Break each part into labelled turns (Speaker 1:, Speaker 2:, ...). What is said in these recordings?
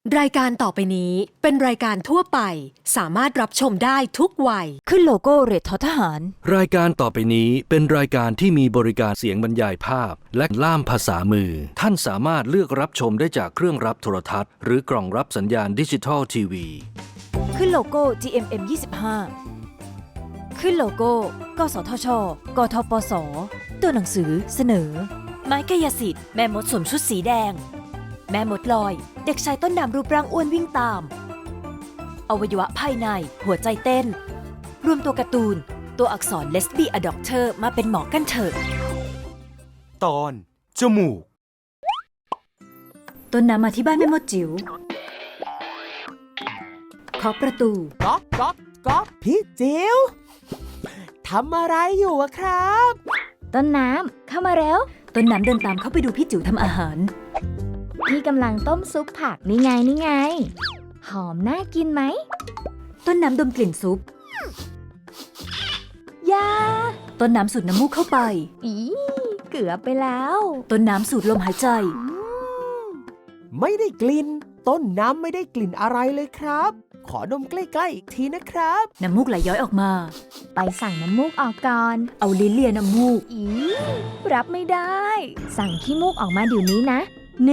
Speaker 1: รายการต่อไปนี้เป็นรายการทั่วไปสามารถรับชมได้ทุกวัย
Speaker 2: ขึ้นโลโก้เรททอทหาร
Speaker 3: รายการต่อไปนี้เป็นรายการที่มีบริการเสียงบรรยายภาพและล่ามภาษามือท่านสามารถเลือกรับชมได้จากเครื่องรับโทรทัศน์หรือกล่องรับสัญญาณดิจิทัลทีวี
Speaker 2: ขึ้นโลโก้ GMM 25ขึ้นโลโก้ กสทช กทปส ตัวหนังสือเสนอ ไม้กายสิทธิ์แม่มดสวมชุดสีแดงแม่มดลอยเด็กชายต้นน้ำรูปร่างอ้วนวิ่งตามอวัยวะภายในหัวใจเต้นรวมตัวการ์ตูนตัวอักษรเลสบี้อด็อกเตอร์มาเป็นหมอกันเถอะ
Speaker 4: ตอนจมูก
Speaker 2: ต้นน้ำมาที่บ้านแม่มดจิ๋วเคาะประตู
Speaker 4: ก๊อกก๊อกก๊อกพี่จิ๋วทำอะไรอยู่อะครับ
Speaker 5: ต้นน้ำเข้ามาเร็ว
Speaker 2: ต้นน้ำเดินตามเข้าไปดูพี่จิ๋วทำอาหาร
Speaker 5: พี่กำลังต้มซุปผักนี่ไงนี่ไงหอมน่ากินไหม
Speaker 2: ต้นน้ำดมกลิ่นซุป
Speaker 5: ยา
Speaker 2: ต้นน้ำสูดน้ำมูกเข้าไป
Speaker 5: อีเกือบไปแล้ว
Speaker 2: ต้นน้ำสูดลมหายใจ
Speaker 4: ไม่ได้กลิ่นต้นน้ำไม่ได้กลิ่นอะไรเลยครับขอดมใกล้ๆอีกทีนะครับ
Speaker 2: น้ำมูกไหลย้อยออกมา
Speaker 5: ไปสั่งน้ำมูกออกก่อน
Speaker 2: เอาลิ้นเลียน้ำมูก
Speaker 5: อีรับไม่ได้สั่งขี้มูกออกมาเดี๋ยวนี้นะ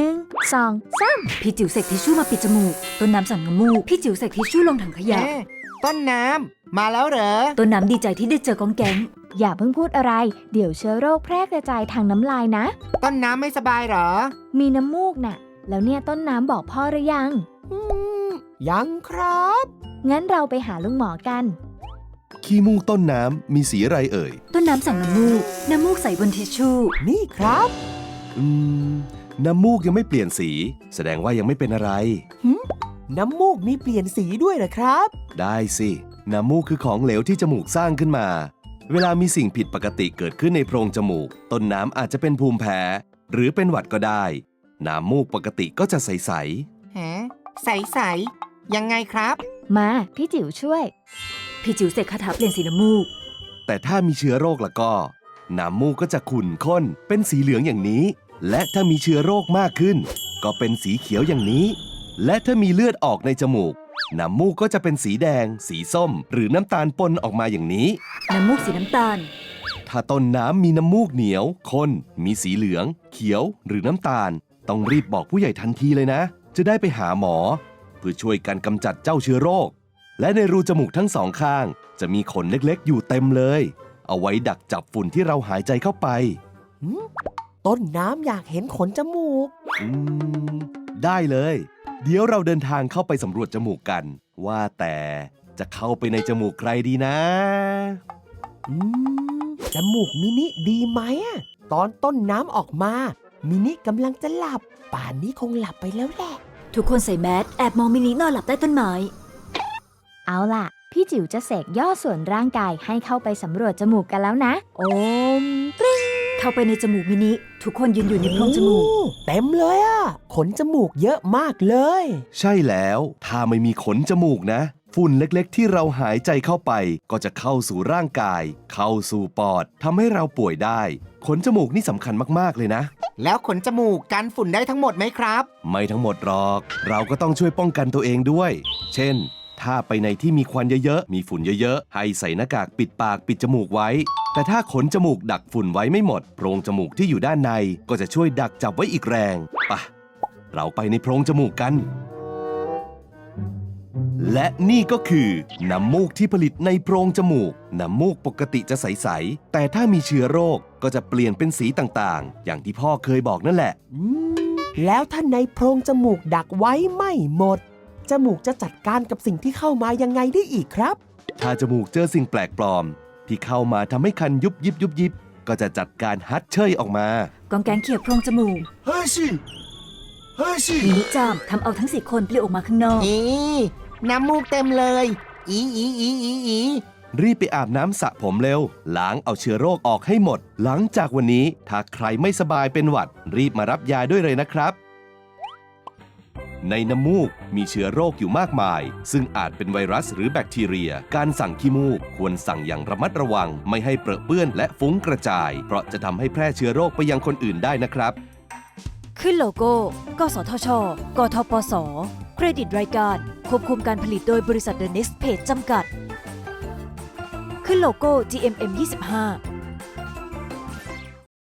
Speaker 5: 1 2 3
Speaker 2: พี่จิ๋วเสกทิชชู่มาปิดจมูกต้นน้ำสั่งน้ำมูกพี่จิ๋วเสกทิชชู่ลงถังขยะ
Speaker 4: ต้นน้ำมาแล้วเหรอ
Speaker 2: ต้นน้ำดีใจที่ได้เจอกองแก๊ง
Speaker 5: อย่าเพิ่งพูดอะไรเดี๋ยวเชื้อโรคแพร่กระจายทางน้ำลายนะ
Speaker 4: ต้นน้ำไม่สบายเหรอ
Speaker 5: มีน้ำมูกน่ะแล้วเนี่ยต้นน้ำบอกพ่อหรือยัง
Speaker 4: ยังครับ
Speaker 5: งั้นเราไปหาลุงหมอกัน
Speaker 6: ขี้มูกต้นน้ำมีสีอะไรเอ่ย
Speaker 2: ต้นน้ำสั่งน้ำมูกใส่บนทิชชู่
Speaker 4: นี่ครับ
Speaker 6: น้ำมูกยังไม่เปลี่ยนสีแสดงว่ายังไม่เป็นอะไร
Speaker 4: น้ำมูกมีเปลี่ยนสีด้วยเหรอครับ
Speaker 6: ได้สิน้ำมูกคือของเหลวที่จมูกสร้างขึ้นมาเวลามีสิ่งผิดปกติเกิดขึ้นในโพรงจมูกต้นน้ำอาจจะเป็นภูมิแพ้หรือเป็นหวัดก็ได้น้ำมูกปกติก็จะใส
Speaker 4: ๆฮะใสๆยังไงครับ
Speaker 5: มาพี่จิ๋วช่วย
Speaker 2: พี่จิ๋วเสกคาถาเปลี่ยนสีน้ำมูก
Speaker 6: แต่ถ้ามีเชื้อโรคแล้วก็น้ำมูกก็จะขุ่นข้นเป็นสีเหลืองอย่างนี้และถ้ามีเชื้อโรคมากขึ้นก็เป็นสีเขียวอย่างนี้และถ้ามีเลือดออกในจมูกน้ำมูกก็จะเป็นสีแดงสีส้มหรือน้ำตาลปนออกมาอย่างนี้
Speaker 2: น้ำมูกสีน้ำตาล
Speaker 6: ถ้าต้นน้ำมีน้ำมูกเหนียวข้นมีสีเหลืองเขียวหรือน้ำตาลต้องรีบบอกผู้ใหญ่ทันทีเลยนะจะได้ไปหาหมอเพื่อช่วยกันกำจัดเจ้าเชื้อโรคและในรูจมูกทั้งสองข้างจะมีขนเล็กๆอยู่เต็มเลยเอาไว้ดักจับฝุ่นที่เราหายใจเข้าไป
Speaker 4: ต้นน้ำอยากเห็นขนจมูก
Speaker 6: ได้เลยเดี๋ยวเราเดินทางเข้าไปสำรวจจมูกกันว่าแต่จะเข้าไปในจมูกใครดีนะ
Speaker 4: จมูกมินิดีไหมตอนต้นน้ำออกมามินิกำลังจะหลับป่านนี้คงหลับไปแล้วแหละ
Speaker 2: ทุกคนใส่แมสแอบมองมินินอนหลับใต้ต้นไม้
Speaker 5: เอาล่ะพี่จิ๋วจะเสกย่อส่วนร่างกายให้เข้าไปสำรวจจมูกกันแล้วนะโอมกริ๊ง
Speaker 2: เข้าไปในจมูกมินิทุกคนยืนอยู่ในโพรงจมูก
Speaker 4: เต็มเลยขนจมูกเยอะมากเลย
Speaker 6: ใช่แล้วถ้าไม่มีขนจมูกนะฝุ่นเล็กๆที่เราหายใจเข้าไปก็จะเข้าสู่ร่างกายเข้าสู่ปอดทำให้เราป่วยได้ขนจมูกนี่สำคัญมากๆเลยนะ
Speaker 4: แล้วขนจมูกกันฝุ่นได้ทั้งหมดไหมครับ
Speaker 6: ไม่ทั้งหมดหรอกเราก็ต้องช่วยป้องกันตัวเองด้วยเช่นถ้าไปในที่มีควันเยอะๆมีฝุ่นเยอะๆให้ใส่หน้ากากปิดปากปิดจมูกไว้แต่ถ้าขนจมูกดักฝุ่นไว้ไม่หมดโพรงจมูกที่อยู่ด้านในก็จะช่วยดักจับไว้อีกแรงป่ะเราไปในโพรงจมูกกันและนี่ก็คือน้ำมูกที่ผลิตในโพรงจมูกน้ำมูกปกติจะใสๆแต่ถ้ามีเชื้อโรคก็จะเปลี่ยนเป็นสีต่างๆอย่างที่พ่อเคยบอกนั่นแหละ
Speaker 4: แล้วถ้าในโพรงจมูกดักไว้ไม่หมดจมูกจะจัดการกับสิ่งที่เข้ามายังไงได้อีกครับ
Speaker 6: ถ้าจมูกเจอสิ่งแปลกปลอมที่เข้ามาทำให้คันยุบยิบยุบยิบก็จะจัดการฮัดเชยออกมาก
Speaker 2: องแกงเขี่ยโพรงจมูก
Speaker 4: เฮ้ยสิ
Speaker 2: มินิจามทำเอาทั้ง4คนปลิวออกมาข้างนอก
Speaker 4: น้ำมูกเต็มเลยอี
Speaker 6: รีบไปอาบน้ำสระผมเร็วล้างเอาเชื้อโรคออกให้หมดหลังจากวันนี้ถ้าใครไม่สบายเป็นหวัดรีบมารับยาด้วยเลยนะครับในน้ำมูกมีเชื้อโรคอยู่มากมายซึ่งอาจเป็นไวรัสหรือแบคทีเรียการสั่งขี้มูกควรสั่งอย่างระมัดระวังไม่ให้เปรอะเปื้อนและฟุ้งกระจายเพราะจะทำให้แพร่เชื้อโรคไปยังคนอื่นได้นะครับ
Speaker 2: ขึ้นโลโก้ กสทช กทปส ใรดิตรายการควบคุมการผลิตโดยบริษัท The Next Page จำกัด ขึ้นโลโก้ GMM 25